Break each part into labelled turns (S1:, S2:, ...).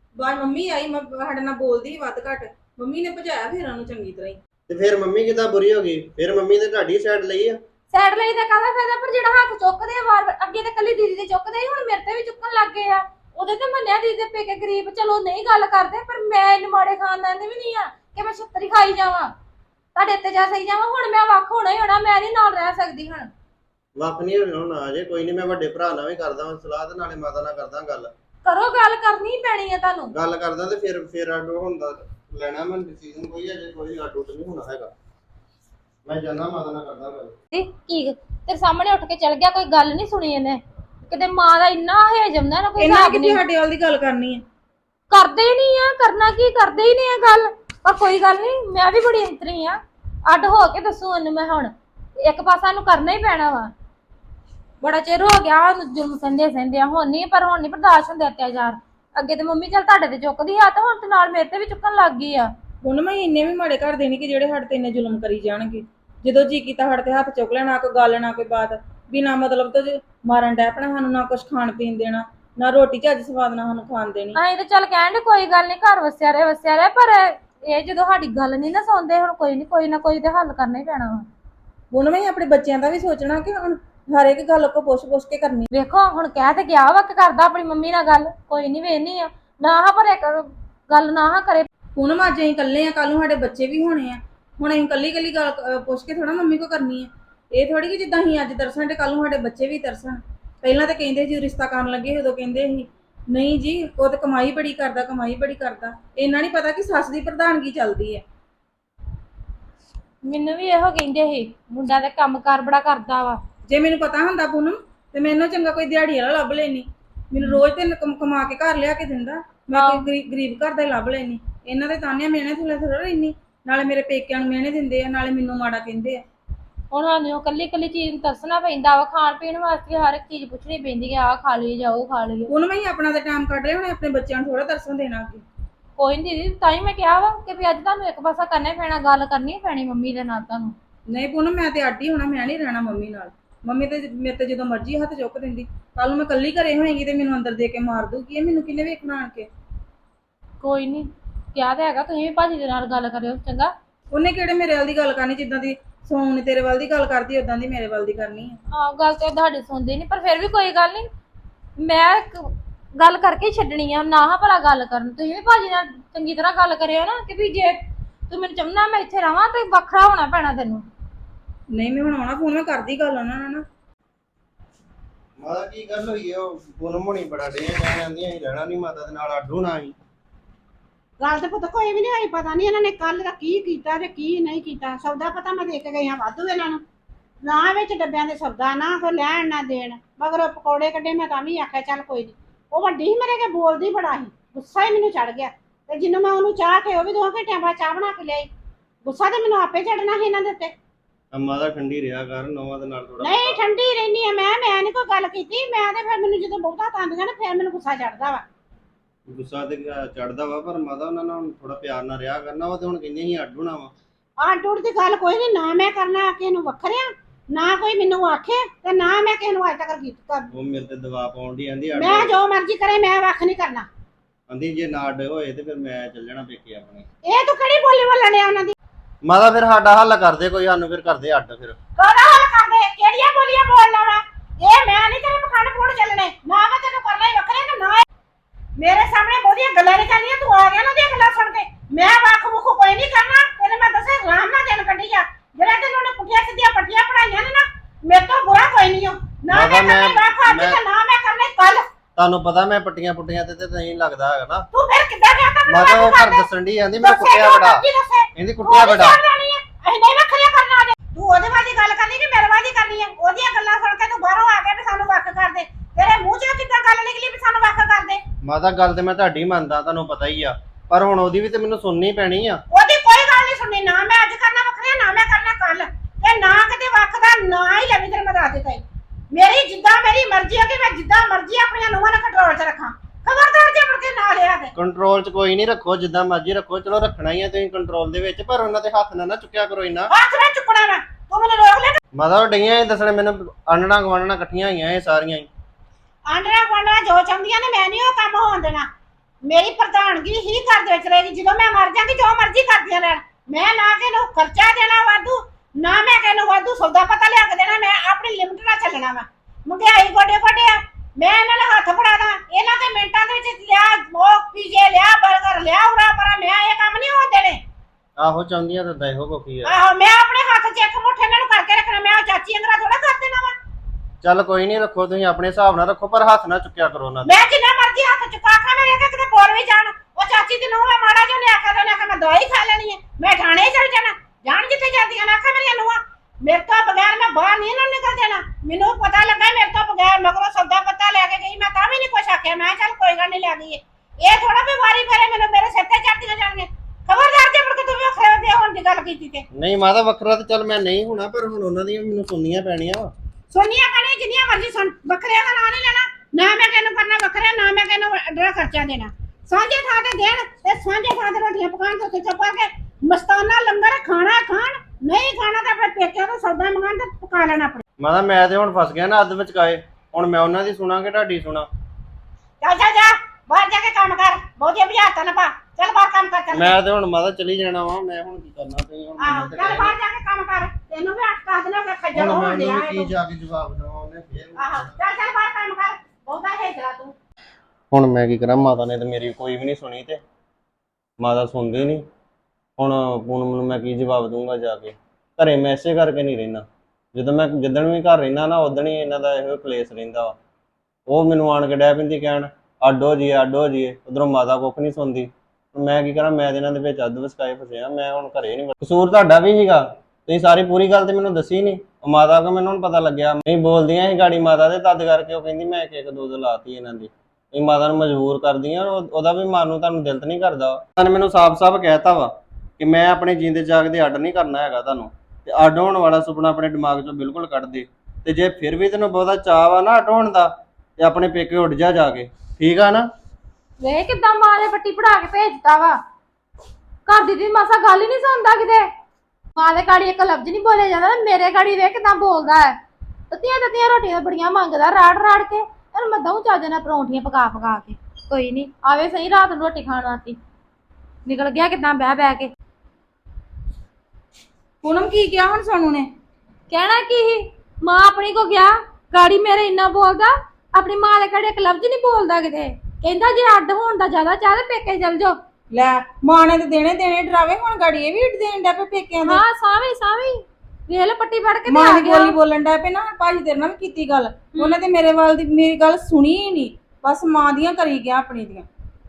S1: ਬਾਅਦ ਮੰਮੀ ਆਈ ਸਾਡੇ ਨਾਲ ਬੋਲਦੀ ਵੱਧ ਘੱਟ। ਮੰਮੀ ਨੇ ਭਜਾਇਆ ਫਿਰ ਉਹਨੂੰ ਚੰਗੀ ਤਰ੍ਹਾਂ ਹੀ।
S2: ਤੇ ਫਿਰ ਮੰਮੀ ਕਿੱਦਾਂ ਬੁਰੀ ਹੋ ਗਈ? ਫਿਰ ਮੰਮੀ ਨੇ ਤੁਹਾਡੀ ਸਾਈਡ ਲਈ ਆ।
S3: ਸਾਈਡ ਲਈ ਤਾਂ ਕਾਹਦਾ ਫਾਇਦਾ, ਪਰ ਜਿਹੜਾ ਹੱਥ ਚੁੱਕਦੇ ਆ ਵਾਰ ਅੱਗੇ ਤੇ ਕੱਲੀ ਦੀਦੀ ਦੇ ਚੁੱਕਦੇ ਸੀ, ਹੁਣ ਮੇਰੇ ਤੇ ਵੀ ਚੁੱਕਣ ਲੱਗ ਗਏ ਆ। ਉਹਦੇ ਤੇ ਮੰਨਿਆ ਦੀਦੀ ਦੇ ਪੇਕੇ ਗਰੀਬ, ਚਲੋ ਨਹੀਂ ਗੱਲ ਕਰਦੇ, ਪਰ ਮੈਂ ਇੰਨੇ ਮਾੜੇ ਖਾਨਦਾਨ ਦੀ ਵੀ ਨਹੀਂ ਆ ਕਿ ਮੈਂ ਛੱਤਰੀ ਖਾਈ ਜਾਵਾਂ, ਤੁਹਾਡੇ ਤੇ ਜਾ ਸਹੀ ਜਾਵਾਂ। ਹੁਣ ਮੈਂ ਵੱਖ ਹੋਣਾ ਹੀ ਹੋਣਾ, ਮੈਂ ਨਹੀਂ ਨਾਲ ਰਹਿ ਸਕਦੀ ਹੁਣ।
S2: ਵੱਖ ਨਹੀਂ ਹੋਣਾ ਅਜੇ, ਕੋਈ ਨਹੀਂ, ਮੈਂ ਵੱਡੇ ਭਰਾ ਨਾਲ ਵੀ ਕਰਦਾ ਹਾਂ ਸਲਾਹ ਤੇ ਨਾਲੇ ਮਾਤਾ ਨਾਲ ਕਰਦਾ ਗੱਲ।
S3: ਕਰੋ ਗੱਲ, ਕਰਨੀ ਹੀ ਪੈਣੀ ਆ ਤੁਹਾਨੂੰ।
S2: ਗੱਲ ਕਰਦਾ ਤੇ ਫਿਰ ਆਡੋ ਹੁੰਦਾ ਲੈਣਾ ਮੈਂ ਡਿਸੀਜਨ, ਕੋਈ ਅਜੇ ਕੋਈ ਆਡੋ ਤੇ ਨਹੀਂ ਹੋਣਾ ਹੈਗਾ। ਮੈਂ ਜਾਣਾ ਮਾਤਾ ਨਾਲ ਕਰਦਾ ਗੱਲ।
S3: ਕੀ ਤੇਰੇ ਸਾਹਮਣੇ ਉੱਠ ਕੇ ਚਲ ਗਿਆ, ਕੋਈ ਗੱਲ ਨਹੀਂ ਸੁਣੀ ਇਹਨੇ ਕਿਤੇ। ਮਾਂ ਦਾ ਇੰਨਾ ਹੇਜਮ ਨਾ ਕੋਈ
S1: ਇਹਨਾਂ
S3: ਹਿਸਾਬ
S1: ਕਿਤੇ
S3: ਨਹੀਂ।
S1: ਸਾਡੇ ਵੱਲ ਦੀ ਗੱਲ ਕਰਨੀ ਹੈ?
S3: ਕਰਦੇ ਹੀ ਨਹੀਂ ਆ, ਕਰਨਾ ਕੀ, ਕਰਦੇ ਹੀ ਨਹੀਂ ਆ ਗੱਲ। ਪਰ ਕੋਈ ਗੱਲ ਨਹੀਂ, ਮੈਂ ਵੀ ਬੜੀ ਅੰਤਰੀ ਆ, ਅੱਡ ਹੋ ਕੇ ਦੱਸੂ ਉਹਨੂੰ ਮੈਂ। ਹੁਣ ਇੱਕ ਪਾਸਾ ਨੂੰ ਕਰਨਾ ਹੀ ਪੈਣਾ ਵਾ। ਬੜਾ ਚਿਰ ਹੋ ਗਿਆ ਉਹਨੂੰ ਜ਼ੁਲਮ ਸਹਿੰਦੇ ਹੁਣ ਨਹੀਂ, ਪਰ ਹੁਣ ਨਹੀਂ ਬਰਦਾਸ਼ਤ ਹੁੰਦੇ ਅਤਿਆਚਾਰ। ਅੱਗੇ ਤੇ ਮੰਮੀ ਚੱਲ ਤੁਹਾਡੇ ਤੇ ਚੁੱਕਦੀ ਆ, ਤੇ ਹੁਣ ਤੇ ਨਾਲ ਮੇਰੇ ਤੇ ਵੀ ਚੁੱਕਣ ਲੱਗ ਗਈ ਆ।
S1: ਹੁਣ ਮੈਂ ਇੰਨੇ ਵੀ ਮਾੜੇ ਘਰ ਦੇ ਨਹੀਂ ਕਿ ਜਿਹੜੇ ਸਾਡੇ ਤੇ ਇੰਨੇ ਜ਼ੁਲਮ ਕਰੀ ਜਾਣਗੇ। ਜਦੋਂ ਜੀ ਕੀਤਾ ਸਾਡੇ ਤੇ ਹੱਥ ਚੁੱਕ ਲੈਣਾ, ਕੋਈ ਗੱਲ ਨਾ ਕੋਈ ਬਾਤ, ਬਿਨਾ ਮਤਲਬ ਤੋਂ ਮਾਰਨ ਡੈ ਪੈਣਾ ਸਾਨੂੰ, ਨਾ ਕੁਝ ਖਾਣ ਪੀਣ ਦੇਣਾ, ਨਾ ਰੋਟੀ ਚੱਜ ਸਵਾਦ ਨਾਲ ਸਾਨੂੰ ਖਾਣ ਦੇਣੀ।
S3: ਅਸੀਂ ਤੇ ਚੱਲ ਕਹਿਣ ਦੇ ਕੋਈ ਗੱਲ ਨਹੀਂ, ਘਰ ਵਸਿਆ ਰਿਹਾ, ਪਰ ਇਹ ਜਦੋਂ ਸਾਡੀ ਗੱਲ ਨਹੀਂ ਨਾ ਸੁਣਦੇ, ਹੁਣ ਕੋਈ ਨਹੀਂ, ਕੋਈ ਨਾ ਕੋਈ ਤੇ ਹੱਲ ਕਰਨਾ ਹੀ ਪੈਣਾ ਵਾ।
S1: ਹੁਣ ਮੈਂ ਆਪਣੇ ਬੱਚਿਆਂ ਦਾ ਵੀ ਸੋਚਣਾ ਕਿ ਹੁਣ ਹਰ ਇੱਕ ਗੱਲ ਕੋ ਪੁੱਛ ਕੇ ਕਰਨੀ।
S3: ਵੇਖੋ ਹੁਣ ਕਹਿ ਤੇ ਗਿਆ ਵਾ ਕਿ ਕਰਦਾ ਆਪਣੀ ਮੰਮੀ ਨਾਲ ਗੱਲ, ਕੋਈ ਨਹੀਂ ਵੇਖਨੀ ਆ ਨਾ ਹਾਂ, ਪਰ ਇੱਕ ਗੱਲ ਨਾ ਹਾਂ ਕਰੇ।
S1: ਹੁਣ ਅੱਜ ਅਸੀਂ ਇਕੱਲੇ ਆ, ਕੱਲ ਨੂੰ ਸਾਡੇ ਬੱਚੇ ਵੀ ਹੋਣੇ ਆ। ਹੁਣ ਅਸੀਂ ਕੱਲੀ ਗੱਲ ਪੁੱਛ ਕੇ ਥੋੜਾ ਮੰਮੀ ਕੋ ਕਰਨੀ ਆ। ਇਹ ਥੋੜੀ ਕਿ ਜਿੱਦਾਂ ਅਸੀਂ ਅੱਜ ਤਰਸਣ ਤੇ ਕੱਲ ਨੂੰ ਸਾਡੇ ਬੱਚੇ ਵੀ ਤਰਸਣ। ਪਹਿਲਾਂ ਤਾਂ ਕਹਿੰਦੇ ਜਦੋਂ ਰਿਸ਼ਤਾ ਕਰਨ ਲੱਗੇ ਉਦੋਂ ਕਹਿੰਦੇ ਸੀ ਨਹੀਂ ਜੀ ਉਹ ਤਾਂ ਕਮਾਈ ਬੜੀ ਕਰਦਾ, ਕਮਾਈ ਬੜੀ ਕਰਦਾ। ਇਹਨਾਂ ਨਹੀਂ ਪਤਾ ਕਿ ਸੱਸ ਦੀ ਪ੍ਰਧਾਨਗੀ ਚੱਲਦੀ ਹੈ।
S3: ਮੈਨੂੰ ਵੀ ਇਹੋ ਕਹਿੰਦੇ ਸੀ ਮੁੰਡਾ ਤੇ ਕੰਮਕਾਰ ਬੜਾ ਕਰਦਾ ਵਾ।
S1: ਜੇ ਮੈਨੂੰ ਪਤਾ ਹੁੰਦਾ ਪੂਨਮ ਤੇ ਮੈਨੂੰ ਚੰਗਾ ਕੋਈ ਦਿਹਾੜੀ ਵਾਲਾ ਲੱਭ ਲੈਣੀ। ਮੈਨੂੰ ਰੋਜ਼ ਤੇ ਕਮਾ ਕੇ ਘਰ ਲਿਆ ਕੇ ਦਿੰਦਾ, ਮੈਂ ਕੋਈ ਗਰੀਬ ਘਰ ਦਾ ਹੀ ਲੱਭ ਲੈਣੀ। ਇਹਨਾਂ ਦੇ ਤਾਨੇ ਮਿਹਣੇ ਥੱਲੇ ਥੋੜਾ ਰਹਿਨੀ, ਨਾਲੇ ਮੇਰੇ ਪੇਕਿਆਂ ਨੂੰ ਮਿਹਣੇ ਦਿੰਦੇ ਆ, ਨਾਲੇ ਮੈਨੂੰ ਮਾੜਾ ਕਹਿੰਦੇ ਆ।
S3: ਹੁਣ ਸਾਨੂੰ ਕੱਲੀ ਚੀਜ਼ ਨੂੰ ਤਰਸਣਾ ਪੈਂਦਾ ਵਾ, ਖਾਣ ਪੀਣ ਵਾਸਤੇ ਹਰ ਇੱਕ ਚੀਜ਼ ਪੁੱਛਣੀ ਪੈਂਦੀ ਆ, ਆਹ ਖਾ ਲਈ ਜਾਂ ਉਹ ਖਾ ਲਈ।
S1: ਹੁਣ ਮੈਂ ਆਪਣਾ ਤਾਂ ਟਾਈਮ ਕੱਢ ਲਿਆ, ਹੁਣ ਆਪਣੇ ਬੱਚਿਆਂ ਨੂੰ ਥੋੜਾ ਤਰਸਣ ਦੇਣਾ ਅੱਗੇ।
S3: ਕੋਈ ਨਹੀਂ ਦੀਦੀ, ਤਾਂ ਹੀ ਮੈਂ ਕਿਹਾ ਵਾ ਕਿ ਵੀ ਅੱਜ ਤੁਹਾਨੂੰ ਇੱਕ ਪਾਸਾ ਕਰਨਾ ਹੀ ਪੈਣਾ, ਗੱਲ ਕਰਨੀ ਪੈਣੀ ਮੰਮੀ ਦੇ ਨਾਲ ਤੁਹਾਨੂੰ।
S1: ਨਹੀਂ ਪੂਨਮ ਮੈਂ ਤੇ ਅੱਡ ਹੀ ਹੋਣਾ, ਮੈਂ ਨਹੀਂ ਰਹਿਣਾ ਮੰਮੀ ਨਾਲ। ਮੰਮੀ ਤੇ ਮੇਰੇ ਤੇ ਜਦੋਂ ਮਰਜ਼ੀ ਹੱਥ ਚੁੱਕ ਦਿੰਦੀ। ਕੱਲ ਨੂੰ ਮੈਂ ਕੱਲੀ ਘਰੇ ਹੋਏਗੀ ਤੇ ਮੈਨੂੰ ਅੰਦਰ ਦੇ ਕੇ ਮਾਰ ਦੂਗੀ, ਇਹ ਮੈਨੂੰ ਕਿੰਨੇ ਵੇਖਣਾ ਆਣ ਕੇ।
S3: ਕੋਈ ਨਹੀਂ, ਕਿਹਾ ਤਾਂ ਹੈਗਾ, ਤੁਸੀਂ ਵੀ ਭਾਜੀ ਦੇ ਨਾਲ ਗੱਲ ਕਰਿਓ ਚੰਗਾ।
S1: ਉਹਨੇ ਕਿਹੜੇ ਮੇਰੇ ਵੱਲ ਦੀ ਗੱਲ ਕਰਨੀ, ਜਿੱਦਾਂ ਦੀ ਸੋਮ ਨੇ ਤੇਰੇ ਵੱਲ ਦੀ ਗੱਲ ਕਰਦੀ ਉਦਾਂ ਦੀ ਮੇਰੇ ਵੱਲ ਦੀ ਕਰਨੀ ਹੈ।
S3: ਹਾਂ ਗੱਲ ਤੇ ਤੁਹਾਡੀ ਸੁਣਦੀ ਨਹੀਂ, ਪਰ ਫਿਰ ਵੀ ਕੋਈ ਗੱਲ ਨਹੀਂ, ਮੈਂ ਗੱਲ ਕਰਕੇ ਹੀ ਛੱਡਣੀ ਆ ਨਾ। ਹਾਂ ਭਲਾ ਗੱਲ ਕਰਨ, ਤੁਸੀਂ ਵੀ ਭਾਜੀ ਨਾਲ ਚੰਗੀ ਤਰ੍ਹਾਂ ਗੱਲ ਕਰਿਓ ਨਾ ਕਿ ਵੀ ਜੇ ਤੂੰ ਮੈਨੂੰ ਚਾਹੁੰਦਾ ਮੈਂ ਇੱਥੇ ਰਵਾਂ ਤੇ ਵੱਖਰਾ ਹੋਣਾ ਪੈਣਾ ਤੈਨੂੰ।
S1: ਨਹੀਂ ਮੈਂ ਹੁਣ ਆਉਣਾ ਫੋਨ, ਮੈਂ ਕਰਦੀ ਗੱਲ ਉਹਨਾਂ ਨਾਲ ਨਾ।
S2: ਮਾਤਾ ਕੀ ਗੱਲ ਹੋਈ ਆ? ਉਹ ਪੂਨਮ ਹੋਣੀ ਬੜਾ ਡੇ ਕਹਿੰਦੀਆਂ ਅਸੀਂ ਰਹਿਣਾ ਨਹੀਂ ਮਾਤਾ ਦੇ ਨਾਲ, ਅੱਡ ਹੋਣਾ ਅਸੀਂ।
S4: ਗੱਲ ਤੇ ਪਤਾ ਕੋਈ ਵੀ ਨਹੀਂ ਹੋਈ, ਪਤਾ ਨਹੀਂ ਇਹਨਾਂ ਨੇ ਕੱਲ ਦਾ ਕੀ ਕੀਤਾ ਤੇ ਕੀ ਨਹੀਂ ਕੀਤਾ। ਸੌਦਾ ਪਤਾ ਮੈਂ ਦੇ ਕੇ ਗਈ ਹਾਂ ਵਾਧੂ ਇਹਨਾਂ ਨੂੰ, ਨਾ ਵਿੱਚ ਡੱਬਿਆਂ ਦੇ ਸੌਦਾ, ਨਾ ਕੋਈ ਲੈਣ ਨਾ ਦੇਣ, ਮਗਰ ਪਕੌੜੇ ਕੱਢੇ, ਮੈਂ ਤਾਂ ਵੀ ਆਖਿਆ ਚੱਲ ਕੋਈ ਨਹੀਂ। ਉਹ ਵੱਡੀ ਸੀ ਮੇਰੇ ਕੇ, ਬੋਲਦੀ ਬੜਾ ਸੀ, ਗੁੱਸਾ ਹੀ ਮੈਨੂੰ ਚੜ ਗਿਆ। ਤੇ ਜਿੰਨੂੰ ਮੈਂ ਉਹਨੂੰ ਚਾਹ ਕੇ, ਉਹ ਵੀ 2 ਘੰਟਿਆਂ ਬਾਅਦ ਚਾਹ ਬਣਾ ਕੇ ਲਿਆਈ। ਗੁੱਸਾ ਤੇ ਮੈਨੂੰ ਆਪੇ ਚੜਨਾ ਸੀ ਇਹਨਾਂ ਦੇ ਉੱਤੇ।
S2: ਅੰਮਾ ਦਾ ਠੰਡੀ ਰਿਹਾ ਕਰ, ਨੌਵਾਂ ਦੇ ਨਾਲ ਥੋੜਾ।
S4: ਨਹੀਂ ਠੰਡੀ ਰਹਿੰਦੀ ਆ ਮੈਂ ਨਹੀਂ ਕੋਈ ਗੱਲ ਕੀਤੀ। ਮੈਂ ਤੇ ਫਿਰ ਮੈਨੂੰ ਜਦੋਂ ਬਹੁਤਾ ਤਾਂਦੀਆਂ ਨਾ ਫਿਰ ਮੈਨੂੰ ਗੁੱਸਾ ਚੜਦਾ ਵਾ।
S2: ਗੁੱਸਾ ਤੇ ਚੜਦਾ ਵਾ, ਪਰ ਮਾਤਾ ਉਹਨਾਂ ਨਾਲ ਥੋੜਾ ਪਿਆਰ ਨਾਲ ਰਿਹਾ ਕਰਨਾ ਵਾ। ਤੇ ਹੁਣ ਕਹਿੰਦੇ ਅਸੀਂ ਅੱਡ ਹੋਣਾ ਵਾ।
S4: ਅੱਡ ਉੱਡ ਦੀ ਗੱਲ ਕੋਈ ਨਹੀਂ, ਨਾ ਮੈਂ ਕਰਨਾ ਕਿਸੇ ਨੂੰ ਵੱਖਰਿਆ, ਨਾ ਕੋਈ ਮੈਨੂੰ ਆਖੇ, ਤੇ ਨਾ ਮੈਂ ਕਿਸੇ ਨੂੰ ਅੱਜ ਤੱਕ ਕੀਤਾ।
S2: ਉਹ ਮੇਰੇ ਤੇ ਦਬਾਅ ਪਾਉਣ ਦੀ ਆਂਦੀ ਅੱਡ।
S4: ਮੈਂ ਜੋ ਮਰਜ਼ੀ ਕਰੇ, ਮੈਂ ਵੱਖ ਨਹੀਂ ਕਰਨਾ।
S2: ਆਂਦੀ ਜੇ ਨਾ ਅੱਡ ਹੋਏ ਤੇ ਫਿਰ ਮੈਂ ਚੱਲ ਜਾਣਾ ਪੇਕੇ ਆਪਣੇ।
S4: ਇਹ ਤੂੰ ਕਿਹੜੀ ਬੋਲੀ ਬੋਲਣ ਡਿਆ ਉਹਨਾਂ ਦੀ?
S2: ਮਾਤਾ ਫਿਰ ਸਾਡਾ ਹੱਲ ਕਰਦੇ ਕੋਈ, ਸਾਨੂੰ ਫਿਰ ਕਰਦੇ ਅੱਡ। ਫਿਰ
S4: ਕਾਹਦਾ ਹੱਲ ਕਰਦੇ? ਕਿਹੜੀਆਂ ਬੋਲੀਆਂ ਬੋਲਣਾ ਵਾ? ਇਹ ਮੈਂ ਨਹੀਂ ਤੇਰੇ ਪਖੰਡ ਫੂੜ ਚੱਲਣੇ, ਨਾ ਮੈਂ ਤੈਨੂੰ ਕਰਨਾ ਹੀ ਵੱਖਰੇ ਤੇ ਨਾ ਮੇਰੇ ਸਾਹਮਣੇ ਬਹੁਤੀਆਂ ਗੱਲਾਂ ਨਹੀਂ ਕਰਨੀਆਂ। ਤੂੰ ਆ ਗਿਆ ਨਾ ਉਹਦੀਆਂ ਗੱਲਾਂ ਸੁਣ ਕੇ, ਮੈਂ ਵੱਖ ਵੁੱਖ ਕੋਈ ਨਹੀਂ ਕਰਨਾ। ਤੈਨੂੰ ਮੈਂ ਦੱਸਿਆ ਆਰਾਮ ਨਾਲ ਦਿਨ ਕੱਢੀ ਜਾ। ਜਿਹੜਾ ਤੈਨੂੰ ਉਹਨੇ ਪੁੱਠੀਆਂ ਸਿੱਧੀਆਂ ਪੱਟੀਆਂ ਪੜਾਈਆਂ ਨੇ ਨਾ, ਮੇਰੇ ਤੋਂ ਬੁਰਾ ਕੋਈ ਨਹੀਂ ਹੋ। ਨਾ ਮੈਂ ਕਰਨਾ ਵੱਖ ਅੱਜ ਤੇ ਨਾ ਮੈਂ ਕਰਨਾ ਕੱਲ।
S2: ਤੁਹਾਨੂੰ ਪਤਾ ਮੈਂ ਪੱਟੀਆਂ ਪੁੱਟੀਆਂ ਤੇ ਨਹੀਂ ਲੱਗਦਾ ਹੈਗਾ ਨਾ।
S4: ਤੂੰ ਫਿਰ ਕਿੱਦਾਂ ਕਹਿੰਦਾ ਮੈਨੂੰ?
S2: ਮਾਤਾ ਉਹ ਘਰ ਦੱਸਣ ਦੀ ਆਂਦੀ ਮੈਨੂੰ ਕੁੱਟਿਆ ਬੜਾ, ਇਹਦੀ ਕੁੱਟਿਆ ਬੜਾ।
S4: ਅਸੀਂ ਨਹੀਂ ਵੱਖਰੀਆਂ ਕਰਨਾ ਅੱਜ। ਤੂੰ ਉਹਦੇ ਵਾਲੀ ਗੱਲ ਕਰਨੀ ਕਿ ਮੇਰੇ ਵਾਲੀ ਕਰਨੀ ਹੈ? ਉਹਦੀਆਂ ਗੱਲਾਂ ਸੁਣ ਕੇ ਤੂੰ ਬਾਹਰੋਂ ਆ ਕੇ ਵੀ ਸਾਨੂੰ ਵੱਖ ਕਰ ਦੇ। ਤੇਰੇ ਮੂੰਹ 'ਚ ਕਿੱਦਾਂ ਗੱਲ ਨਿਕਲੀ ਵੀ ਸਾਨੂੰ ਵੱਖ ਕਰ ਦੇ?
S2: ਮਾਤਾ ਗੱਲ ਤੇ ਮੈਂ ਤੁਹਾਡੀ ਮੰਨਦਾ, ਤੁਹਾਨੂੰ ਪਤਾ ਹੀ ਆ, ਪਰ ਹੁਣ ਉਹਦੀ ਵੀ ਤੇ ਮੈਨੂੰ ਸੁਣਨੀ ਪੈਣੀ ਆ।
S4: ਉਹਦੀ ਕੋਈ ਗੱਲ ਨਹੀਂ ਸੁਣਨੀ। ਨਾ ਮੈਂ ਅੱਜ ਕਰਨਾ ਵੱਖਰੇ, ਨਾ ਮੈਂ ਕਰਨਾ ਕੱਲ। ਤੇ ਨਾ ਕਿਤੇ ਵੱਖ ਦਾ ਨਾ ਹੀ ਲਵੀ। ਤੇਰੇ ਮੈਂ ਦੱਸ ਦਿੱਤਾ ਹੀ, ਮੇਰੀ ਜਿੱਦਾਂ ਮੇਰੀ ਮਰਜ਼ੀ ਹੈ ਕਿ ਮੈਂ ਜਿੱਦਾਂ ਮਰਜ਼ੀ ਆਪਣੀਆਂ ਨੂੰਹਾਂ ਨੂੰ ਕੰਟਰੋਲ 'ਚ ਰੱਖਾਂ। ਖਬਰਦਾਰ ਜੇ ਮੁੜ ਕੇ ਨਾ ਲਿਆ ਤੇ।
S2: ਕੰਟਰੋਲ 'ਚ ਕੋਈ ਨਹੀਂ, ਰੱਖੋ ਜਿੱਦਾਂ ਮਰਜ਼ੀ ਰੱਖੋ, ਚਲੋ ਰੱਖਣਾ ਹੀ ਆ ਤੁਸੀਂ ਕੰਟਰੋਲ ਦੇ ਵਿੱਚ, ਪਰ ਉਹਨਾਂ ਦੇ ਹੱਥ ਨਾ ਚੁੱਕਿਆ ਕਰੋ ਇੰਨਾ।
S4: ਹੱਥ ਨਾਲ ਚੁੱਕਣਾ ਮੈਂ, ਤੂੰ ਮੈਨੂੰ ਰੋਕ ਲੈ।
S2: ਮਾਤਾ ਉਹ ਡਈਆਂ ਇਹ ਦੱਸਣ ਮੈਨੂੰ, ਆਂਢਣਾ ਗੁਆਂਢਣਾ ਇਕੱਠੀਆਂ ਹੋਈਆਂ ਇਹ ਸਾਰੀਆਂ ਹੀ।
S4: ਆਂਡਰਾ ਗੁਆਂਢਣਾ ਜੋ ਚਾਹੁੰਦੀਆਂ ਨੇ, ਮੈਂ ਨਹੀਂ ਉਹ ਕੰਮ ਹੋਣ ਦੇਣਾ। ਮੇਰੀ ਪ੍ਰਧਾਨਗੀ ਹੀ ਘਰ ਦੇ ਵਿੱਚ ਰਹੇਗੀ। ਜਦੋਂ ਮੈਂ ਮਰ ਜਾਗੀ ਜੋ ਮਰਜ਼ੀ ਕਰਦੀਆਂ ਰਹਿਣ, ਮੈਂ ਨਾ ਕਿਸੇ ਖਰਚਾ ਦੇਣਾ ਵਾਧੂ, ਨਾ ਮੈਂ ਕਿਸੇ ਨੂੰ ਵਾਧੂ ਸੌਦਾ ਪਤਾ ਲਿਆ ਕੇ ਦੇਣਾ। ਮੈਂ ਆਪਣੀ ਲਿਮਟ ਨਾਲ ਚੱਲਣਾ ਵਾ। ਮਹਿੰਗਾਈ ਗੋਡੇ ਗੋਡੇ ਆ, ਮੈਂ ਇਹਨਾਂ ਨਾਲ ਹੱਥ ਫੜਾ ਦਾਂ, ਇਹਨਾਂ ਦੇ ਮਿੰਟਾਂ ਦੇ ਵਿੱਚ ਲਿਆ ਉਹ ਪੀਜੇ ਲਿਆ, ਬਰਗਰ ਲਿਆ, ਉਰਾ ਪਰਾ, ਮੈਂ ਇਹ ਕੰਮ ਨਹੀਂ ਹੋਣ ਦੇਣੇ।
S2: ਆਹੋ ਚਾਹੁੰਦੀਆਂ ਤਾਂ ਇਹੋ ਕੋਕੀ ਆ।
S4: ਆਹੋ ਮੈਂ ਆਪਣੇ ਹੱਥ 'ਚ ਇੱਕ ਮੁੱਠ ਇਹਨਾਂ ਨੂੰ ਕਰਕੇ ਰੱਖਣਾ। ਮੈਂ ਉਹ ਚਾਚੀ ਅੰਗਰਾ ਥੋੜਾ ਕਰ ਦੇਣਾ ਵਾ।
S2: ਚੱਲ ਕੋਈ ਨਹੀਂ, ਰੱਖੋ ਤੁਸੀਂ ਆਪਣੇ ਹਿਸਾਬ ਨਾਲ ਰੱਖੋ, ਪਰ ਹੱਥ ਨਾ ਚੁੱਕਿਆ ਕਰੋ ਉਹਨਾਂ ਦੇ।
S4: ਮੈਂ ਜਿੰਨਾ ਮਰਜ਼ੀ ਹੱਥ ਚੁਕਾ ਕੇ ਮੇਰੇ ਅੱਗੇ ਕਿਤੇ ਬੋਲ ਵੀ ਜਾਣ, ਉਹ ਚਾਚੀ ਦੀ ਨੂੰਹ ਆ, ਮਾੜਾ ਜਿਹਾ ਨੇ ਆਖਿਆ, ਉਹਨੇ ਆਖਿਆ ਮੈਂ ਦਵਾਈ ਖਾ ਲੈਣੀ ਹੈ, ਮੈਂ ਥਾਣੇ ਚਲ ਜਾਣਾ। ਜਾਣ ਜਿੱਥੇ ਜਾਂਦੀਆਂ ਨੇ ਆਖਿਆ ਮੇਰੀਆਂ ਨੂੰਹਾਂ, ਮੇਰੇ ਤੋਂ ਬਗੈਰ ਮੈਂ ਬਾਹਰ ਨਹੀਂ ਇਹਨਾਂ ਨੂੰ ਨਿਕਲ ਜਾਣਾ। ਮੈਨੂੰ ਪਤਾ ਲੱਗਾ ਮੇਰੇ ਤੋਂ ਬਗੈਰ ਮਗਰੋਂ ਸੌਦਾ ਪੱਤਾ ਲੈ ਕੇ ਗਈ, ਮੈਂ ਤਾਂ ਵੀ ਨਹੀਂ ਕੁਛ ਆਖਿਆ। ਮੈਂ ਚੱਲ ਕੋਈ ਗੱਲ ਨਹੀਂ, ਲੈ ਗਈ ਇਹ ਥੋੜਾ ਵੀ ਵਾਰੀ ਫੇਰੇ ਮੈਨੂੰ ਮੇਰੇ ਸਿਰ ਤੇ ਚੜਦੀਆਂ ਜਾਣਗੇ। ਖਬਰਦਾਰ ਜੇ ਮੁੜ ਕੇ ਤੂੰ ਵੀ ਵੱਖਰੇ ਦੇ ਹੋਣ ਦੀ ਗੱਲ ਕੀਤੀ ਤੇ।
S2: ਨਹੀਂ ਮਾਤਾ ਵੱਖਰਾ ਤਾਂ ਚੱਲ ਮੈਂ ਨਹੀਂ ਹੋਣਾ, ਪਰ ਹੁਣ ਉਹਨਾਂ ਦੀਆਂ ਮੈਨੂੰ ਸੁਣਨੀਆਂ ਪੈਣੀਆਂ ਵਾ।
S4: ਸੋਨੀਆ ਕਹਣੀ ਜਿੰਨੀਆਂ ਮਰਜ਼ੀ ਸੁਣ, ਵੱਖਰਿਆਂ ਦਾ ਨਾਂ ਨਹੀਂ ਲੈਣਾ। ਨਾ ਮੈਂ ਕਿਹਨੂੰ ਕਰਨਾ ਵੱਖਰਾ, ਨਾ ਮੈਂ ਕਿਹਨੂੰ ਅੱਡਾ ਖਰਚਾ ਦੇਣਾ। ਸਾਂਝੇ ਥਾਂ ਤੇ ਦੇਣ ਤੇ ਸਾਂਝੇ ਥਾਂ ਤੇ ਰੋਟੀਆਂ ਪਕਾਉਣ ਤੇ ਉੱਥੇ ਚੁੱਪ ਕਰਕੇ ਮਸਤਾਨਾ ਲੰਗਰ ਖਾਣਾ ਖਾਣ, ਨਹੀਂ ਖਾਣਾ ਤਾਂ ਆਪਣੇ ਪੇਕਿਆਂ ਤੋਂ ਸੌਦਾ ਮੰਗਾਣ ਤੇ ਪਕਾ ਲੈਣਾ ਆਪਣੇ।
S2: ਮਾਤਾ ਮੈਂ ਤੇ ਹੁਣ ਫਸ ਗਿਆ ਨਾ ਅੱਧ ਵਿਚਕਾਏ, ਹੁਣ ਮੈਂ ਉਹਨਾਂ ਦੀ ਸੁਣਾ ਕਿ ਤੁਹਾਡੀ ਸੁਣਾ?
S4: ਚੱਲ ਚੱਲ ਜਾ ਬਾਹਰ ਜਾ ਕੇ ਕੰਮ ਕਰ, ਬਹੁਤੀਆਂ ਬੁਝਾਰਤਾਂ ਨਾ ਪਾ। ਚੱਲ ਬਾਹਰ ਕੰਮ ਕਰ। ਚੱਲ
S2: ਮੈਂ ਤੇ ਹੁਣ ਮਾਤਾ ਚਲੀ ਜਾਣਾ ਵਾ, ਮੈਂ ਹੁਣ ਕੀ ਕਰਨਾ ਤੁਸੀਂ ਹੁਣ
S4: ਆਹੋ ਚੱਲ ਬਾਹਰ ਜਾ ਕੇ ਕੰਮ ਕਰ। ਤੈਨੂੰ ਵੀ ਆਖ ਦੇਣਾ ਕਿ ਖੱਜਲ
S2: ਹੁਣ
S4: ਹੋਣ
S2: ਮੈਂ
S4: ਡਿਆ
S2: ਕੀ ਜਾ ਕੇ ਜਵਾਬ ਦੇਵਾਂ ਉਹਨੇ ਫੇਰ।
S4: ਆਹੋ ਚੱਲ ਚੱਲ ਬਾਹਰ ਕੰਮ ਕਰ, ਬਹੁਤਾ ਹੇਜਲਾ ਤੂੰ।
S2: ਹੁਣ ਮੈਂ ਕੀ ਕਰਾਂ, ਮਾਤਾ ਨੇ ਤੇ ਮੇਰੀ ਕੋਈ ਵੀ ਨਹੀਂ ਸੁਣੀ, ਤੇ ਮਾਤਾ ਸੁਣਦੀ ਨਹੀਂ। ਹੁਣ ਪੂਨਮ ਨੂੰ ਮੈਂ ਕੀ ਜਵਾਬ ਦੂੰਗਾ ਜਾ ਕੇ? ਘਰੇ ਮੈਂ ਇਸੇ ਕਰਕੇ ਨਹੀਂ ਰਹਿਣਾ। ਜਦੋਂ ਮੈਂ ਜਿੱਦਣ ਵੀ ਘਰ ਰਹਿਣਾ ਨਾ ਉਦਣ ਹੀ ਇਹਨਾਂ ਦਾ ਇਹੋ ਕਲੇਸ਼ ਰਹਿੰਦਾ ਵਾ। ਉਹ ਮੈਨੂੰ ਆਣ ਕੇ ਡੈ ਪੈਂਦੀ ਕਹਿਣ ਅੱਡ ਹੋ ਜੀਏ, ਉਧਰੋਂ ਮਾਤਾ ਕੁੱਖ ਨਹੀਂ ਸੁਣਦੀ। ਮੈਂ ਕੀ ਕਰਾਂ, ਮੈਂ ਇਹਨਾਂ ਦੇ ਵਿੱਚ ਅੱਧ ਵਸਕਾਏ ਫਸਿਆ। ਮੈਂ ਹੁਣ ਘਰੇ ਨਹੀਂ, ਕਸੂਰ ਤੁਹਾਡਾ ਵੀ ਸੀਗਾ, ਤੁਸੀਂ ਸਾਰੀ ਪੂਰੀ ਗੱਲ ਤੇ ਮੈਨੂੰ ਦੱਸੀ ਨਹੀਂ। ਮਾਤਾ ਕੋ ਮੈਨੂੰ ਹੁਣ ਪਤਾ ਲੱਗਿਆ, ਨਹੀਂ ਬੋਲਦੀਆਂ ਸੀ ਗਾੜੀ ਮਾਤਾ ਦੇ, ਤਦ ਕਰਕੇ ਉਹ ਕਹਿੰਦੀ ਮੈਂ ਇੱਕ ਦੋ ਲਾਤੀ ਇਹਨਾਂ ਦੀ। ਇਹ ਮਾਤਾ ਨੂੰ ਮਜਬੂਰ ਕਰਦੀਆਂ, ਉਹਦਾ ਵੀ ਮਨ ਨੂੰ ਤੁਹਾਨੂੰ ਦਿਲ ਤੇ ਨਹੀਂ ਕਰਦਾ। ਉਹਨਾਂ ਨੇ ਮੈਨੂੰ ਸਾਫ਼-ਸਾਫ਼ ਕਹਿਤਾ ਵਾ ਕਿ ਮੈਂ ਆਪਣੇ ਜੀਂਦੇ ਜਾਗਦੇ ਅੱਡ ਨਹੀਂ ਕਰਨਾ ਹੈਗਾ ਤੁਹਾਨੂੰ, ਤੇ ਅੱਡ ਹੋਣ ਵਾਲਾ ਸੁਪਨਾ ਆਪਣੇ ਦਿਮਾਗ ਚੋਂ ਬਿਲਕੁਲ ਕੱਢ ਦੇ। ਤੇ ਜੇ ਫਿਰ ਵੀ ਤੈਨੂੰ ਬਹੁਤਾ ਚਾਅ ਵਾ ਨਾ ਅੱਡ ਹੋਣ ਦਾ, ਤੇ ਆਪਣੇ ਪੇਕੇ ਉੱਡ ਜਾ ਕੇ, ਠੀਕ ਆ ਨਾ?
S3: ਵੇ ਕਿਦਾਂ ਮਾਂ ਦੇ ਪੱਟੀ ਪੜਾ ਕੇ ਭੇਜਦਾ ਵਾ। ਘਰ ਦੀ ਮਾਸਾ ਗੱਲ ਹੀ ਨਹੀਂ ਸੁਣਦਾ ਕਿਤੇ। ਮਾਂ ਦੇ ਗਾੜੀ ਇੱਕ ਲਫ਼ਜ਼ ਨਹੀਂ ਬੋਲਿਆ ਜਾਂਦਾ, ਮੇਰੇ ਗਾੜੀ ਵੇ ਕਿਦਾਂ ਬੋਲਦਾ ਹੈ। ਤਤੀਆਂ ਰੋਟੀਆਂ ਬੜੀਆਂ ਮੰਗਦਾ, ਰਾੜ ਕੇ। ਇਹਨੂੰ ਮੈਂ ਦਊਂ ਚੱਜ ਨਾਲ ਪਰੌਂਠੀਆਂ ਪਕਾ ਕੇ। ਕੋਈ ਨਹੀਂ ਆਵੇ ਸਹੀ ਰਾਤ ਨੂੰ ਰੋਟੀ ਖਾਣ ਵਾਸਤੇ। ਨਿਕਲ ਗਿਆ ਕਿਦਾਂ ਬਹਿ ਕੇ।
S1: ਪੂਨਮ ਕੀ ਕਿਹਾ ਹੁਣ ਸੋਨੂੰ ਨੇ?
S3: ਕਹਿਣਾ ਕੀ ਸੀ, ਮਾਂ ਆਪਣੀ ਕੋ ਗਿਆ, ਗਾੜੀ ਮੇਰੇ ਇੰਨਾ ਬੋਲਦਾ, ਆਪਣੀ ਮਾਂ ਦੇ ਘੜੇ ਇੱਕ ਲਫ਼ਜ਼ ਨਹੀਂ ਬੋਲਦਾ ਕਿਤੇ। ਕਹਿੰਦਾ ਜੇ ਅੱਡ ਹੋਣ ਦਾ ਜ਼ਿਆਦਾ ਚਾਹ ਤੇ ਪੇਕੇ ਚਲ ਜਾਓ।
S1: ਲੈ ਮਾਂ ਨੇ ਤੇ ਦੇਣੇ ਡਰਾਵੇ, ਹੁਣ ਗਾੜੀ ਇਹ ਵੀ ਦੇਣ ਡੈ ਪਏ ਪੇਕਿਆਂ ਦੇ।
S3: ਹਾਂ ਸਾਵੀ ਵੇਖ ਲੈ ਪੱਟੀ ਫੜ ਕੇ
S1: ਮਾਂ
S3: ਆ
S1: ਦੀ
S3: ਗਿਆ।
S1: ਬੋਲੀ ਬੋਲਣ ਡੈ ਪਏ ਨਾ। ਭਾਜੀ ਤੇਰੇ ਨਾਲ ਵੀ ਕੀਤੀ ਗੱਲ, ਉਹਨੇ ਤੇ ਮੇਰੀ ਗੱਲ ਸੁਣੀ ਹੀ ਨਹੀਂ, ਬਸ ਮਾਂ ਦੀਆਂ ਕਰੀ ਗਿਆ ਆਪਣੀ ਦੀਆਂ।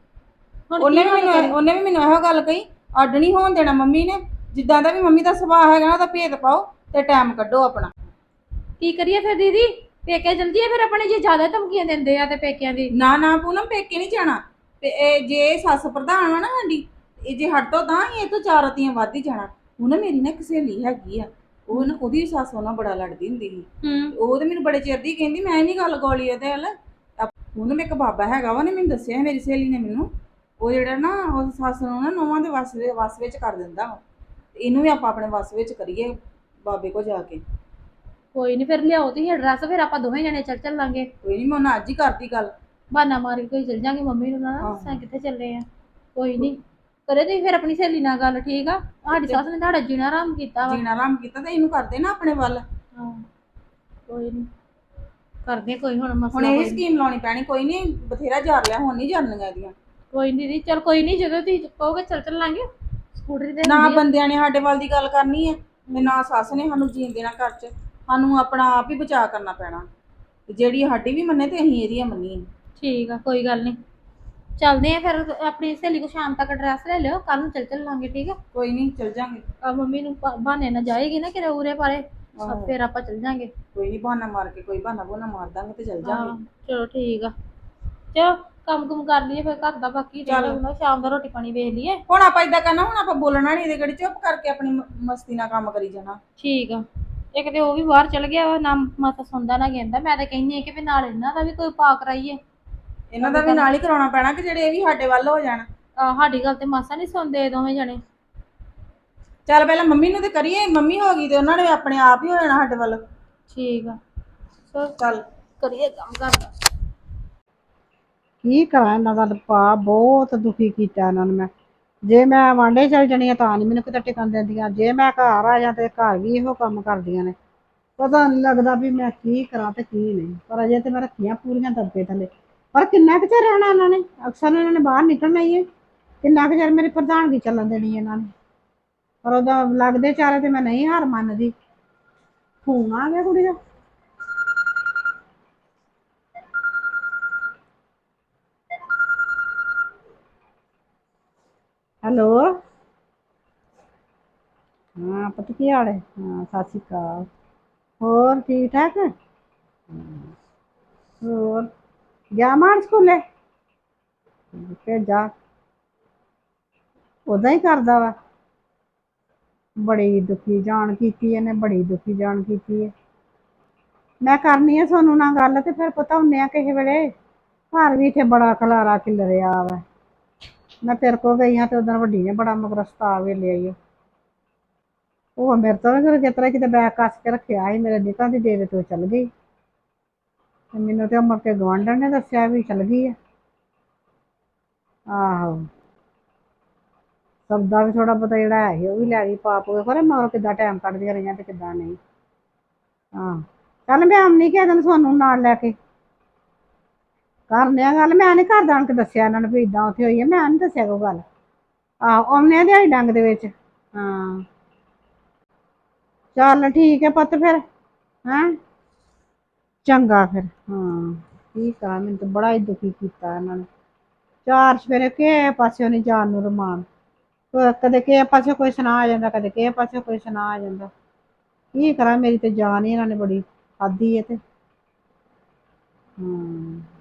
S1: ਉਹਨੇ ਵੀ ਮੈਨੂੰ ਇਹੋ ਗੱਲ ਕਹੀ, ਅੱਡ ਨਹੀਂ ਹੋਣ ਦੇਣਾ ਮੰਮੀ ਨੇ। ਜਿੱਦਾਂ ਦਾ ਵੀ ਮੰਮੀ ਦਾ ਸੁਭਾਅ ਹੈਗਾ ਨਾ, ਉਹਦਾ ਭੇਦ ਪਾਓ ਤੇ ਟਾਈਮ ਕੱਢੋ ਆਪਣਾ।
S3: ਕੀ ਕਰੀਏ ਫਿਰ ਦੀਦੀ, ਪੇਕੇ ਚਲ ਜੀਏ ਫਿਰ ਆਪਣੇ? ਜੇ ਜ਼ਿਆਦਾ ਧਮਕੀਆਂ ਦਿੰਦੇ ਆ ਤੇ ਪੇਕਿਆਂ ਦੀ।
S1: ਨਾ ਪੂਨਮ ਪੇਕੇ ਨਹੀਂ ਜਾਣਾ। ਤੇ ਇਹ ਜੇ ਸੱਸ ਪ੍ਰਧਾਨ ਵਾ ਨਾ ਸਾਡੀ, ਇਹ ਜੇ ਹੱਟ ਤੋਂ ਤਾਂ ਹੀ ਇਹ ਤੋਂ 4 ਰਤੀਆਂ ਵੱਧ ਹੀ ਜਾਣਾ। ਹੁਣ ਮੇਰੀ ਨਾ ਇੱਕ ਸਹੇਲੀ ਹੈਗੀ ਆ, ਉਹ ਨਾ ਉਹਦੀ ਸੱਸ ਉਹਨਾਂ ਬੜਾ ਲੜਦੀ ਹੁੰਦੀ ਸੀ। ਉਹ ਤੇ ਮੈਨੂੰ ਬੜੇ ਚਿਰ ਦੀ ਕਹਿੰਦੀ, ਮੈਂ ਨਹੀਂ ਗੱਲ ਗੋਲੀ ਉਹਦੇ ਵੱਲ। ਉਹਨੂੰ ਇੱਕ ਬਾਬਾ ਹੈਗਾ ਵਾ, ਉਹਨੇ ਮੈਨੂੰ ਦੱਸਿਆ, ਮੇਰੀ ਸਹੇਲੀ ਨੇ ਮੈਨੂੰ। ਉਹ ਜਿਹੜਾ ਨਾ ਉਹ ਸੱਸ ਨੂੰ ਨਾ ਨੌਵਾਂ ਦੇ ਵਸ ਵਿੱਚ ਕਰ ਦਿੰਦਾ ਵਾ। ਇਹਨੂੰ ਵੀ ਆਪਾਂ ਆਪਣੇ ਵਸ ਵਿੱਚ ਕਰੀਏ ਬਾਬੇ ਕੋਲ ਜਾ ਕੇ।
S3: ਕੋਈ ਨਹੀਂ ਫਿਰ ਲਿਆਓ ਤੁਸੀਂ ਐਡਰੈਸ, ਫਿਰ ਆਪਾਂ ਦੋਵੇਂ ਜਣੇ ਚੱਲਾਂਗੇ।
S1: ਕੋਈ ਨਹੀਂ, ਮੈਂ ਉਹਨਾਂ ਅੱਜ ਹੀ ਕਰਦੀ ਗੱਲ।
S3: ਬਹਾਨਾ ਮਾਰ ਕੇ ਕੋਈ ਚੱਲ ਜਾਂਗੇ ਮੰਮੀ ਨੂੰ ਨਾ ਦੱਸਾਂ ਕਿੱਥੇ ਚੱਲੇ ਆ। ਕੋਈ ਨਹੀਂ ਕਰੇ ਤੁਸੀਂ ਫਿਰ ਆਪਣੀ ਸਹੇਲੀ ਨਾਲ ਗੱਲ, ਠੀਕ ਆ? ਸਾਡੀ ਸੱਸ ਨੇ ਤੁਹਾਡਾ ਜੀਣਾ ਆਰਾਮ ਕੀਤਾ ਵਾ।
S1: ਜੀਣਾ ਆਰਾਮ ਕੀਤਾ ਤੇ ਇਹਨੂੰ ਕਰਦੇ ਨਾ ਆਪਣੇ ਵੱਲ।
S3: ਹਾਂ ਕੋਈ ਨਹੀਂ ਕਰਦੇ ਕੋਈ ਹੁਣ ਮਸਲਾ।
S1: ਹੁਣ ਇਹ ਸਕੀਮ ਲਾਉਣੀ ਪੈਣੀ। ਕੋਈ ਨਹੀਂ ਬਥੇਰਾ ਜਾਰ ਲਿਆ, ਹੁਣ ਨਹੀਂ ਜਾਣੀਆਂ ਇਹਦੀਆਂ।
S3: ਕੋਈ ਨਹੀਂ ਦੀਦੀ, ਚਲ ਕੋਈ ਨਹੀਂ, ਜਦੋਂ ਤੁਸੀਂ ਕਹੋਗੇ ਚੱਲਾਂਗੇ। ਸਕੂਟਰੀ ਤੇ
S1: ਨਾ ਬੰਦਿਆਂ ਨੇ ਸਾਡੇ ਵੱਲ ਦੀ ਗੱਲ ਕਰਨੀ ਹੈ, ਤੇ ਨਾ ਸੱਸ ਨੇ ਸਾਨੂੰ ਜੀਣ ਦੇਣਾ ਘਰ 'ਚ। ਸਾਨੂੰ ਆਪਣਾ ਆਪ ਹੀ ਬਚਾਅ ਕਰਨਾ ਪੈਣਾ। ਜਿਹੜੀ ਸਾਡੀ ਵੀ ਮੰਨੇ ਤੇ ਅਸੀਂ ਇਹਦੀ ਮੰਨੀਏ।
S3: ਠੀਕ ਆ, ਕੋਈ ਗੱਲ ਨਹੀਂ, ਚੱਲਦੇ ਆ ਫਿਰ। ਆਪਣੀ ਸਹੇਲੀ ਕੋ ਸ਼ਾਮ ਤੱਕ ਐਡਰੈਸ ਲੈ ਲਿਓ, ਕੱਲ ਨੂੰ ਚੱਲਾਂਗੇ, ਠੀਕ ਆ?
S1: ਕੋਈ ਨਹੀਂ ਚੱਲ ਜਾਂਗੇ।
S3: ਮੰਮੀ ਨੂੰ ਬਹਾਨੇ ਨਾਲ ਜਾਏਗੀ ਨਾ ਕਿਤੇ ਉਰੇ ਪਾਰੇ, ਫਿਰ ਆਪਾਂ ਚੱਲ ਜਾਂਗੇ।
S1: ਕੋਈ ਨਹੀਂ ਬਹਾਨਾ ਮਾਰ ਕੇ, ਕੋਈ ਬਹਾਨਾ ਮਾਰ ਦਾਂਗੇ ਤੇ ਚੱਲ ਜਾਂਗੇ।
S3: ਚਲੋ ਠੀਕ ਆ, ਚਲੋ ਕੰਮ ਕੁਮ ਕਰ ਲਈਏ ਫਿਰ ਘਰ ਦਾ, ਬਾਕੀ ਸ਼ਾਮ ਦਾ ਰੋਟੀ ਪਾਣੀ ਵੇਖ ਲਈਏ।
S1: ਹੁਣ ਆਪਾਂ ਏਦਾਂ ਕਰਨਾ, ਹੁਣ ਆਪਾਂ ਬੋਲਣਾ ਨਹੀਂ, ਇਹਦੇ ਘੜੀ ਚੁੱਪ ਕਰਕੇ ਆਪਣੀ ਮਸਤੀ ਨਾਲ ਕੰਮ ਕਰੀ ਜਾਣਾ।
S3: ਠੀਕ ਆ। ਇੱਕ ਤੇ ਉਹ ਵੀ ਬਾਹਰ ਚਲ ਗਿਆ ਵਾ, ਨਾ ਮਾਤਾ ਸੁਣਦਾ ਨਾ ਕਹਿੰਦਾ। ਮੈਂ ਤਾਂ ਕਹਿੰਦੀ ਆ ਕਿ ਵੀ ਨਾਲ ਇਹਨਾਂ ਦਾ ਵੀ ਕੋਈ ਪਾ ਕਰਾਈਏ।
S1: ਇਹਨਾਂ ਦਾ ਵੀ ਨਾਲ ਹੀ ਕਰਾਉਣਾ ਪੈਣਾ, ਕਿ ਜਿਹੜੇ ਇਹ ਵੀ ਸਾਡੇ ਵੱਲ ਹੋ ਜਾਣ।
S3: ਸਾਡੀ ਗੱਲ ਤੇ ਮਾਸਾ ਨਹੀਂ ਸੁਣਦੇ ਦੋਵੇਂ ਜਣੇ।
S1: ਚੱਲ ਪਹਿਲਾਂ ਮੰਮੀ ਨੂੰ ਤੇ ਕਰੀਏ, ਮੰਮੀ ਹੋ ਗਈ ਤੇ ਉਹਨਾਂ ਨੇ ਆਪਣੇ ਆਪ ਹੀ ਹੋ ਜਾਣਾ ਸਾਡੇ ਵੱਲ।
S3: ਠੀਕ ਆ,
S1: ਚੱਲ
S3: ਕਰੀਏ ਕੰਮ ਕਰਦਾ।
S4: ਕੀ ਕਰਾਂ ਇਹਨਾਂ ਦਾ ਪਾ ਬਹੁਤ ਦੁਖੀ ਕੀਤਾ ਇਹਨਾਂ ਨੂੰ ਮੈਂ। ਜੇ ਮੈਂ ਵਾਂਡੇ ਚਲ ਜਾਣੀ ਆ ਤਾਂ ਨਹੀਂ ਮੈਨੂੰ ਕਿਤੇ ਟਿਕਣ ਦਿੰਦੀਆਂ, ਜੇ ਮੈਂ ਘਰ ਆ ਜਾ ਤੇ ਘਰ ਵੀ ਇਹੋ ਕੰਮ ਕਰਦੀਆਂ ਨੇ। ਪਤਾ ਨਹੀਂ ਲੱਗਦਾ ਵੀ ਮੈਂ ਕੀ ਕਰਾਂ ਤੇ ਕੀ ਨਹੀਂ, ਪਰ ਅਜੇ ਤੇ ਮੈਂ ਰੱਖੀਆਂ ਪੂਰੀਆਂ ਦਬਕੇ ਥੱਲੇ। ਪਰ ਕਿੰਨਾ ਕੁ ਚਿਰ ਰਹਿਣਾ ਇਹਨਾਂ ਨੇ, ਅਕਸਰ ਇਹਨਾਂ ਨੇ ਬਾਹਰ ਨਿਕਲਣਾ ਹੀ ਹੈ। ਕਿੰਨਾ ਕੁ ਚਿਰ ਮੇਰੀ ਪ੍ਰਧਾਨਗੀ ਚੱਲਣ ਦੇਣੀ ਇਹਨਾਂ ਨੇ। ਪਰ ਉਹਦਾ ਲੱਗਦੇ ਚਾਰੇ ਤੇ ਮੈਂ ਨਹੀਂ ਹਾਰ ਮੰਨਦੀ। ਫੋਨ ਆ ਗਿਆ ਕੁੜੀ ਦਾ। ਹੈਲੋ, ਹਾਂ ਪੁੱਤ ਕੀ ਹਾਲ ਹੈ? ਹਾਂ ਸਤਿ ਸ਼੍ਰੀ ਅਕਾਲ। ਹੋਰ ਠੀਕ ਠਾਕ? ਹੋਰ ਗਿਆ ਮਾਨ ਸਕੂਲੇ? ਭੇਜਾ, ਉਦਾਂ ਹੀ ਕਰਦਾ ਵਾ। ਬੜੀ ਦੁਖੀ ਜਾਣ ਕੀਤੀ ਇਹਨੇ, ਬੜੀ ਦੁਖੀ ਜਾਣ ਕੀਤੀ ਹੈ। ਮੈਂ ਕਰਨੀ ਆ ਸੋਨੂੰ ਨਾਲ ਗੱਲ ਤੇ ਫਿਰ ਪਤਾ ਹੁੰਨੇ ਆ ਕਿਸੇ ਵੇਲੇ। ਘਰ ਵੀ ਇੱਥੇ ਬੜਾ ਖਲਾਰਾ ਖਿਲਰਿਆ ਵਾ। ਮੈਂ ਤੇਰੇ ਕੋਲ ਗਈ ਹਾਂ ਤੇ ਉਦੋਂ ਵੱਡੀ ਨੇ ਬੜਾ ਮਗਰ ਸਤਾ ਵੇਲਿਆ ਈ। ਉਹ ਮੇਰੇ ਤੋਂ ਵੀ ਜਿਸ ਤਰ੍ਹਾਂ ਕਿਤੇ ਬੈਗ ਕੱਸ ਕੇ ਰੱਖਿਆ ਸੀ ਮੇਰੇ ਨਿਕਾਂ ਦੀ ਡੇਰੇ ਤੋਂ ਚੱਲ ਗਈ। ਤੇ ਮੈਨੂੰ ਤੇ ਮੁੜ ਕੇ ਗੁਆਂਢਣ ਨੇ ਦੱਸਿਆ ਵੀ ਚੱਲ ਗਈ ਆ। ਆਹੋ, ਸਬਦਾ ਵੀ ਥੋੜਾ ਬਹੁਤਾ ਜਿਹੜਾ ਹੈ ਸੀ ਉਹ ਵੀ ਲੈ ਗਈ ਪਾ ਪੂਏ, ਖਰੇ ਮਗਰੋਂ ਕਿੱਦਾਂ ਟਾਈਮ ਕੱਢਦੀਆਂ ਰਹੀਆਂ ਤੇ ਕਿੱਦਾਂ ਨਹੀਂ। ਹਾਂ ਚੱਲ ਮੈਂ ਆਉਣੀ ਕਿਸੇ ਦਿਨ ਸੋਨੂੰ ਨਾਲ ਲੈ ਕੇ। ਕਰਨੇ ਆ ਗੱਲ, ਮੈਂ ਨੀ ਘਰ ਆਣ ਕੇ ਦੱਸਿਆ ਇਹਨਾਂ ਨੂੰ ਵੀ ਏਦਾਂ ਉੱਥੇ ਹੋਈ ਹੈ, ਮੈਂ ਨੀ ਦੱਸਿਆ ਕੋਈ ਗੱਲ। ਆਹੋ ਆਉਂਦੇ ਆ ਦਿਹਾੜੀ ਡੰਗ ਦੇ ਵਿੱਚ। ਹਾਂ ਚੱਲ ਠੀਕ ਹੈ ਪੁੱਤ ਫਿਰ। ਹੈਂ ਚੰਗਾ ਫਿਰ। ਹਾਂ ਕੀ ਕਰਾਂ, ਮੈਨੂੰ ਤਾਂ ਬੜਾ ਹੀ ਦੁਖੀ ਕੀਤਾ ਇਹਨਾਂ ਨੇ। ਚਾਰ ਸਵੇਰੇ ਕਿਸੇ ਪਾਸਿਓਂ ਨੀ ਜਾਣ ਨੂੰ ਰਮਾਨ। ਕਦੇ ਕਿਸੇ ਪਾਸੇ ਕੋਈ ਸੁਣਾ ਆ ਜਾਂਦਾ, ਕਦੇ ਕਿਸੇ ਪਾਸੇ ਕੋਈ ਸੁਣਾ ਆ ਜਾਂਦਾ। ਕੀ ਕਰਾਂ, ਮੇਰੀ ਤੇ ਜਾਨ ਹੀ ਇਹਨਾਂ ਨੇ ਬੜੀ ਖਾਧੀ ਹੈ ਤੇ। ਹਾਂ